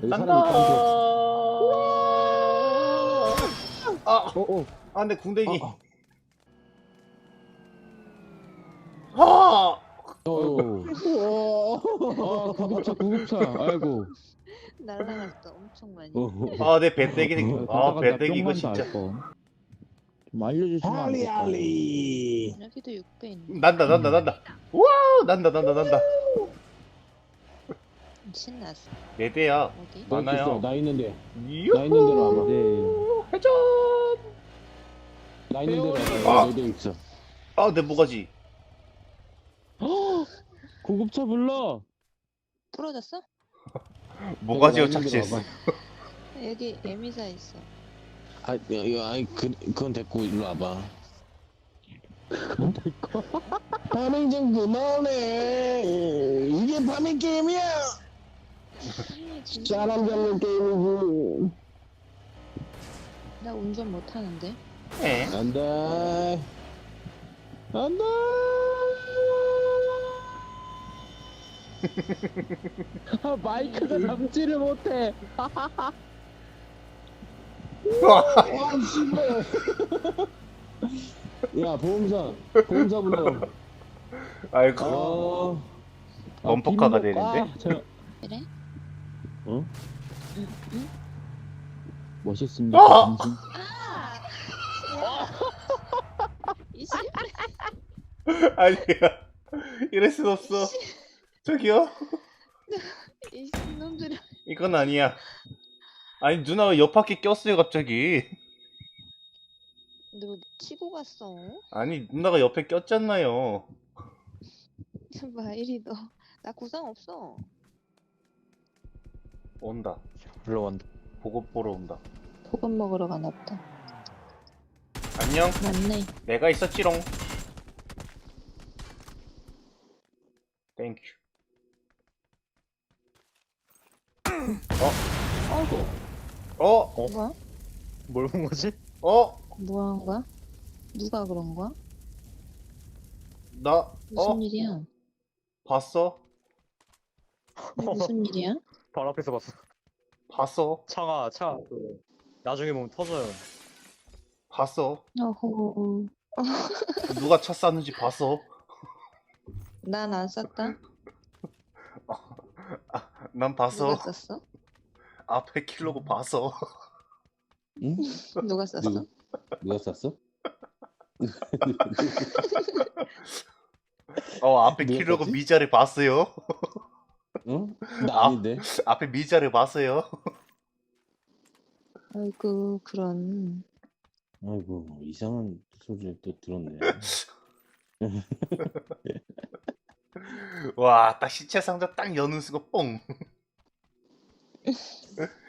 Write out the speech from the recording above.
여기 간다. 사람 있다 한 표. 아, 어. 아, 내 궁뎅이. 어. 아, 아, 구급차. 아이고. 날라갔어. 엄청 많이. 아, 내 배때기. 아, 간다, 배때기 이거 뿅만다 진짜. 할 뻔. 좀 알려주시면 안 될까요? 할리할리. 여기도 6배 있네. 난다. 와, 난다. 신났어. 네 대야. 어디? 많아요. 나 있는데. 유후. 나 있는 데로 와봐. 네. 회전. 나 있는 데로 아. 와봐. 내대 있어. 아, 내 모가지. 구급차 불러. 부러졌어? 모가지로 내가 나 있는 데로 착지했어. 와봐. 여기 에미사 있어. 그건 됐고 일로 와봐. 그건 될거. 파밍 좀 그만해. 이게 파밍 게임이야. 아니, 진짜. 사람 잡는 게임이지. 나 운전 못하는데. 예. 안돼. 안돼. 마이크가 잡지를 못해. 와 씨발. 야 보험사 불러. 아이고. 범퍼카가 되는데? 그래? 어? 응? 멋있습니다. 아! 당신. 이씨. 아니야. 이럴 순 없어. 저기요? 이씨 놈들아. 이건 아니야. 아니, 누나가 옆 바퀴 꼈어요, 갑자기. 너 치고 갔어? 아니, 누나가 옆에 꼈잖아요. 봐 이리 너. 나 구상 없어. 온다. 불러간다. 보급 보러 온다. 소금 먹으러 가나 보다. 안녕. 맞네. 내가 있었지롱. 땡큐. 뭐야? 뭘 본 거지? 뭐 한 거야? 누가 그런 거야? 나, 무슨 일이야? 봤어? 무슨 일이야? 바로 앞에서 봤어. 봤어? 차. 나중에 보면 터져요. 봤어? 어허. 누가 차 쌌는지 봤어? 난 안 쌌다. 난 봤어. 누가 쌌어? 앞에 킬로고 봤어. 응? 누가 쌌어? 누가 쐈어? 앞에 누가 킬로고 쐈지? 미자를 봤어요. 응? 나 아닌데. 앞에 미자를 봤어요. 아이고 그런. 아이고 이상한 소리를 또 들었네. 와, 딱 시체 상자 딱 여는 순간 뽕.